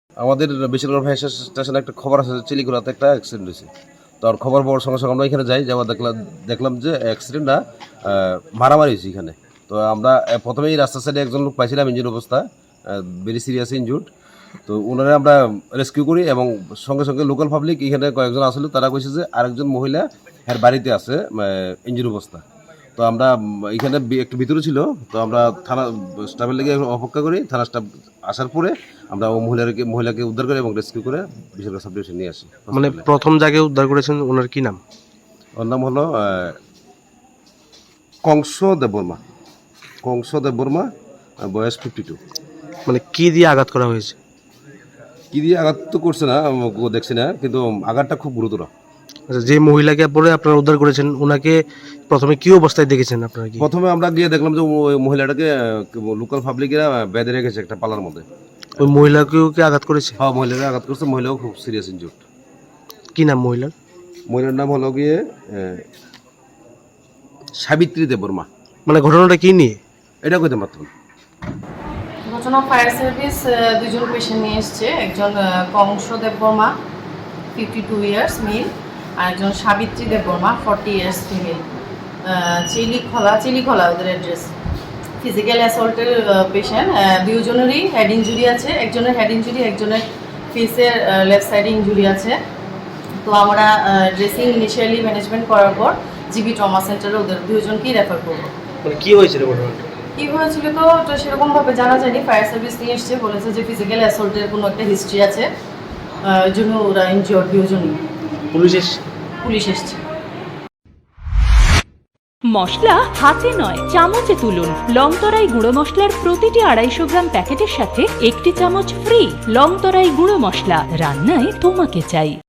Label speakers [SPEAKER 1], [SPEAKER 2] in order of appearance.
[SPEAKER 1] আমাদের বেশিরভাগ ফায়ার স্টেশনে একটা খবর আছে চিলিগুড়াতে একটা অ্যাক্সিডেন্ট হয়েছে। তো আর খবর পাওয়ার সঙ্গে সঙ্গে আমরা এখানে যাই, যাওয়া দেখলাম যে অ্যাক্সিডেন্টটা মারামারি হয়েছে এখানে। তো আমরা প্রথমেই রাস্তার সাইডে একজন লোক পাইছিলাম ইঞ্জিন অবস্থা, ভেরি সিরিয়াস ইনজুর্ড। তো ওনারা আমরা রেস্কিউ করি এবং সঙ্গে সঙ্গে লোকাল পাবলিক এখানে কয়েকজন আসলে তারা কইছে যে আরেকজন মহিলা এর বাড়িতে আছে ইঞ্জিন অবস্থা। তো আমরা এখানে একটু ভিতরে ছিল, তো আমরা থানা স্টাফের লেগে অপেক্ষা করি। থানা স্টাফ আসার পরে আমরা ও মহিলাকে উদ্ধার করে এবং রেস্কিউ করে বেসরকারি সাব ডিভিশন নিয়ে আসি।
[SPEAKER 2] মানে প্রথম জায়গায় উদ্ধার করেছেন, ওনার কি নাম?
[SPEAKER 1] ওর নাম হলো কংস দেববর্মা, বয়স 52।
[SPEAKER 2] মানে কি দিয়ে আঘাত করা হয়েছে?
[SPEAKER 1] কি দিয়ে আঘাত তো করছে না, দেখছি না, কিন্তু আঘাতটা খুব গুরুতর।
[SPEAKER 2] আচ্ছা, যে মহিলাকে পরে আপনারা উদ্ধার করেছেন ওনাকে প্রথমে কি অবস্থায় দেখেছেন আপনারা? কি
[SPEAKER 1] প্রথমে আমরা গিয়ে দেখলাম যে ওই মহিলাটাকে লোকাল পাবলিকেরা বেঁধে রেখেছে একটা পালার মধ্যে।
[SPEAKER 2] ওই মহিলাকেও কি আঘাত করেছে?
[SPEAKER 1] হ্যাঁ, মহিলাকে আঘাত করছে, মহিলাও খুব সিরিয়াস ইনজুর্ড।
[SPEAKER 2] কি নাম মহিলার?
[SPEAKER 1] মহিলার নাম হলো গিয়ে সাবিত্রী দেববর্মা।
[SPEAKER 2] মানে ঘটনাটা কি নিয়ে?
[SPEAKER 1] এটা কইতে পারতাম।
[SPEAKER 3] ঘটনা ফায়ার সার্ভিস দুজন পেশেন্ট নিয়ে এসছে। একজন কংস দেববর্মা 52 ইয়ার্স মেল, আর একজন সাবিত্রী দেববর্মা 40 ইয়ার্স ফিমেল। চিলিখলা ওদের অ্যাড্রেস। ফিজিক্যাল অ্যাসল্টের পেশেন্ট, দুজনেরই হেড ইঞ্জুরি আছে। একজনের হেড ইঞ্জুরি, একজনের ফেসের লেফট সাইডে ইঞ্জুরি আছে। তো আমরা ড্রেসিং ইনিশিয়ালি ম্যানেজমেন্ট করার পর জিবি ট্রমা সেন্টারে ওদের দুজনকেই রেফার করবো।
[SPEAKER 2] মানে কি হয়েছিল ঘটনাটা?
[SPEAKER 3] কী হয়েছিল তো সেরকমভাবে জানা যায়নি। ফায়ার সার্ভিস নিয়ে এসছে, বলেছে যে ফিজিক্যাল অ্যাসল্টের কোনো একটা হিস্ট্রি আছে, ওই জন্য ওরা ইনজিওর্ড দুজনই। পুলিশ এসছে।
[SPEAKER 4] মশলা হাতে নয় চামচে তুলুন। লংতরাই গুঁড়ো মশলার প্রতিটি 250 গ্রাম প্যাকেটের সাথে 1টি চামচ ফ্রি। লংতরাই গুঁড়ো মশলা, রান্নায় তোমাকে চাই।